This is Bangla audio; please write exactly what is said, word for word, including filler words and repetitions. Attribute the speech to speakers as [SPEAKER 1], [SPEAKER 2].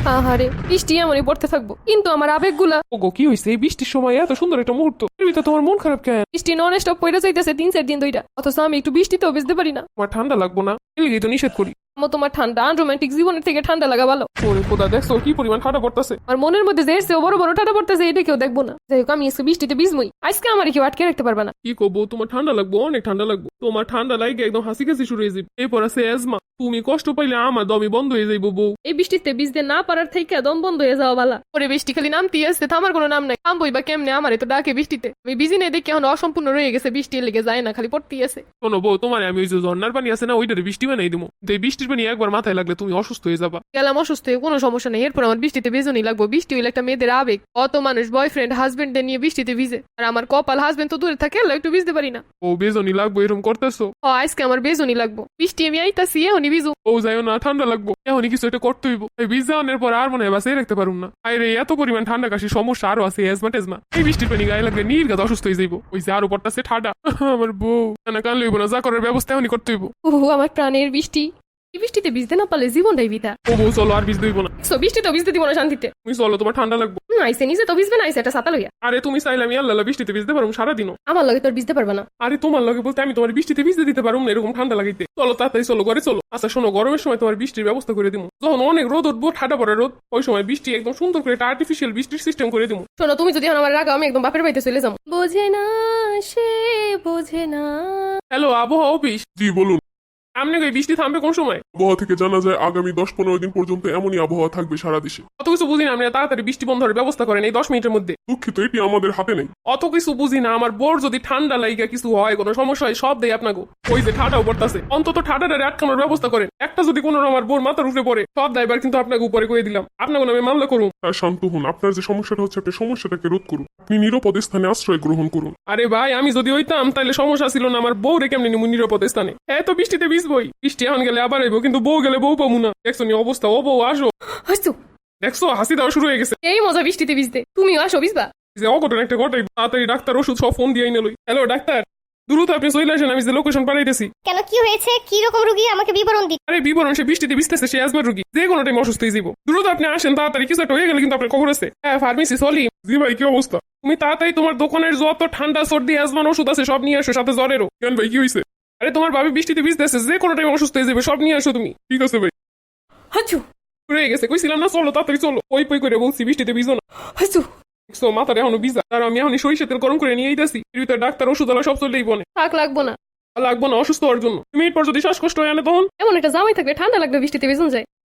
[SPEAKER 1] আহারে বৃষ্টি এমনই পড়তে থাকবো, কিন্তু আমার আবেগগুলা।
[SPEAKER 2] ওগো কি হয়েছে এই বৃষ্টির সময় এত সুন্দর একটা মুহূর্ত, এর ভিতরে তোমার মন খারাপ কেন?
[SPEAKER 1] বৃষ্টি নন স্টপ পড়ে যাইতেছে তিন চার দিন ধইরা, অথচ আমি একটু বৃষ্টিতেও ভিজতে পারি না।
[SPEAKER 2] তোমার ঠান্ডা লাগবো না, এলিগেই তো নিষেধ করি।
[SPEAKER 1] আমো তোমার ঠান্ডা আনরোমান্টিক জীবনের থেকে ঠান্ডা লাগা ভালো।
[SPEAKER 2] ওরে খোদা, দেখছো কি পরিমাণ ঠান্ডা পড়তেছে।
[SPEAKER 1] আর মনের মধ্যে যে এসছে বড় বড় ঠান্ডা পড়তেছে, এটা কেউ দেখবো না। যাই হোক, আমি আজকে বৃষ্টিতে ভিজমই। আজকে আমার কেউ আটকে রাখতে পারবে না।
[SPEAKER 2] কি করবো, তোমার ঠান্ডা লাগবো, অনেক ঠান্ডা লাগবো। তোমার ঠান্ডা লাগে একদম হাসি কাশি শুরু হয়ে যাবে, এরপর আছে অ্যাজমা। তুমি কষ্ট পাইলে আমার দমই বন্ধ হয়ে যাইবো বউ।
[SPEAKER 1] এই বৃষ্টিতে ভিজতে না পারার থেকে দম বন্ধ হয়ে যাওয়া বালা। পরে বৃষ্টি খালি নামতেই আসছে, থামার কোনো নাম নাই। থামবই বা কেমনে, আমার তো ডাকে বৃষ্টিতে। আমি বিজি নেই দেখি এখন অসম্পূর্ণ রয়ে গেছে, বৃষ্টি লেগে যায় না, খালি পড়তেই আছে।
[SPEAKER 2] শোনো বউ, তোমার আমি ওই যে ঝর্ণার পানি আছে না, ওইটারে বৃষ্টি বানাই দিবো। এই বৃষ্টির পানি একবার মাথায় লাগলে তুমি অসুস্থ হয়ে যাবা।
[SPEAKER 1] গেলাম অসুস্থ হয়ে, কোনো সমস্যা নেই। এরপর আমার বৃষ্টিতে ভিজনই লাগবো। বৃষ্টি হইলে একটা মেয়েদের আবেগ। অত মানুষ বয়ফ্রেন্ড হাজবেন্ডদের নিয়ে বৃষ্টিতে ভিজে, আর আমার কপাল হাজবেন্ড তো দূরে থাকে, এলা একটু ভিজতে পারি না।
[SPEAKER 2] ও বেজনি লাগবো এরকম করতেছো?
[SPEAKER 1] ও আজকে আমার বেজনই লাগবো। বৃষ্টি আমি আইতাছি, এখনই ভিজু।
[SPEAKER 2] ও যাইও না, ঠান্ডা লাগবো, এখনই কিছু একটা করতে হইব। এই বীজ যাওয়ানোর পর আর মনে হয় বাসায় রাখতে পারুম না। আরে এত পরিমাণ ঠান্ডা কাশি সমস্যা আরো আছে, এজমা টেজমা। এই বৃষ্টির পানি গায়ে লাগলে নির্গাত অসুস্থ হয়ে যাইবো। ওই যে আরো পড়তাছে ঠান্ডা। আমার বউ না, কান লইব না, যা করার ব্যবস্থা এখনই করতে হইব।
[SPEAKER 1] ওহ আমার প্রাণের বৃষ্টি। এই বৃষ্টিতে ভিজতে না পারলে জীবনটাই বিতা।
[SPEAKER 2] ও বউ চলো, আর বীজ দইব না।
[SPEAKER 1] সো বৃষ্টি তো ভিজতে দিব না শান্তিতে।
[SPEAKER 2] তুমি চলো, তোমার ঠান্ডা লাগবো।
[SPEAKER 1] হুম, আইসে নিজে তো ভিজবে না, আইসে একটা ছাতা লইয়া।
[SPEAKER 2] আরে তুমি চাইলে আমি আল্লাহ বৃষ্টিতে ভিজতে পারবো সারাদিনও।
[SPEAKER 1] আমার লগে তোর ভিজতে পারবে না।
[SPEAKER 2] আরে তোমার লগে বলতে আমি তোমার বৃষ্টিতে ভিজতে দিতে পারবো না, এরকম ঠান্ডা লাগাইতে। চলো তাড়াতাড়ি চলো, ঘরে চলো। আচ্ছা শোনো, গরমের সময় তোমার বৃষ্টির ব্যবস্থা করে দিব। যখন অনেক রোদ উঠবো, ঠান্ডা পড়ে রোদ, ওই সময় বৃষ্টি একদম সুন্দর করে একটা আর্টিফিশিয়াল বৃষ্টির সিস্টেম করে দিব।
[SPEAKER 1] শোনো, তুমি যদি এখন আমার রাগাও, আমি একদম বাপের বাড়িতে চলে যাবো। বোঝে না সে, বোঝে না।
[SPEAKER 2] হ্যালো আবহাওয়া অফিস।
[SPEAKER 3] জি বলুন।
[SPEAKER 2] আপনি এই বৃষ্টি থামবে কোন সময়?
[SPEAKER 3] আবহাওয়া থেকে জানা যায় আগামী দশ পনেরো দিন পর্যন্ত এমনই আবহাওয়া থাকবে সারা দেশে।
[SPEAKER 2] অত কিছু বুঝি না, আপনি তাড়াতাড়ি বৃষ্টি বন্ধের ব্যবস্থা করেন এই দশ মিনিটের মধ্যে।
[SPEAKER 3] দুঃখিত, এটি আমাদের হাতে নেই।
[SPEAKER 2] অত কিছু বুঝি না, আমার বোর যদি ঠান্ডা লাইগা কিছু হয়, কোনো সমস্যা হয়, সব দেয় আপনাকে। ওই যে ঠান্ডাও পড়তাছে, অন্তত ঠান্ডাটারে আটকানোর ব্যবস্থা করেন। একটা যদি কোনো আমার বোর মাথার উপরে পড়ে, সব দায়বার কিন্তু আপনাকে উপরে করে দিলাম। আপনাকে আমি মামলা করুন।
[SPEAKER 3] তাই শান্ত হন, আপনার যে সমস্যাটা হচ্ছে আপনি সমস্যাটাকে রোধ করুন। আপনি নিরাপদ স্থানে আশ্রয় গ্রহণ করুন।
[SPEAKER 2] আরে ভাই, আমি যদি হইতাম তাহলে সমস্যা ছিল না, আমার বউ রে কেমনি নিমু নিরাপদ স্থানে। হ্যাঁ তো বৃষ্টিতে ভিজবই, বৃষ্টি এখন গেলে আবার আইবো, কিন্তু বউ গেলে বউ পাবো না। দেখছো নি অবস্থা, ও বউ আসো।
[SPEAKER 1] হাসু,
[SPEAKER 2] দেখছো হাসি দেওয়া শুরু হয়ে গেছে।
[SPEAKER 1] এই মজা বৃষ্টিতে ভিজতে। তুমিও আসো ভিজবা।
[SPEAKER 2] যে অঘটন একটা ঘটাই, তাড়াতাড়ি ডাক্তার ওষুধ সব ফোন দিয়ে নিলই। হ্যালো ডাক্তার, দ্রুত আপনি চলে আসেন, আমি যে লোকেশন পাঠাইতেছি।
[SPEAKER 4] কেন, কি হয়েছে? কি রকম রুগী, আমাকে বিবরণ দিন।
[SPEAKER 2] আরে বিবরণ, সে বৃষ্টিতে ভিজতেছে, সে অ্যাজমার রোগী, যে কোনো টাইম অসুস্থ হয়ে যাবো। দ্রুত আপনি আসেন তাড়াতাড়ি, কিছু একটা হয়ে গেলে কিন্তু আপনার খবর আছে। হ্যাঁ ফার্মেসি সলি।
[SPEAKER 3] জি ভাই, কি অবস্থা?
[SPEAKER 2] তুমি তাড়াতাড়ি তোমার দোকানের যত ঠান্ডা সর্দি অ্যাজমার ওষুধ আছে সব নিয়ে আসো, সাথে জ্বরেরও।
[SPEAKER 3] কেন ভাই, কি হয়েছে?
[SPEAKER 2] আরে তোমার ভাবি বৃষ্টিতে ভিজতেছে, যে কোনো টাইম অসুস্থ হয়ে যাবে, সব নিয়ে আসো তুমি।
[SPEAKER 3] ঠিক আছে ভাই।
[SPEAKER 1] হাসু,
[SPEAKER 2] রয়ে গেছে, কইছিলাম না চলো তাড়াতাড়ি চলো। ওই পই করে বলছি বৃষ্টিতে ভিজো না।
[SPEAKER 1] হাসু।
[SPEAKER 2] দেখছো মাথার এখনো ভিজা, আর আমি এখন সরিষা তেল গরম করে নিয়ে আইতাছি। এর ভিতরে ডাক্তার ওষুধ আলা সব চলেই বনে।
[SPEAKER 1] থাক, লাগবো না।
[SPEAKER 2] লাগবো না অসুস্থ হওয়ার জন্য। তুমি এরপর যদি শ্বাসকষ্ট হয়ে আনে তখন।
[SPEAKER 1] এমন একটা জামাই থাকলে ঠান্ডা লাগবে, বৃষ্টিতে ভিজন যায়।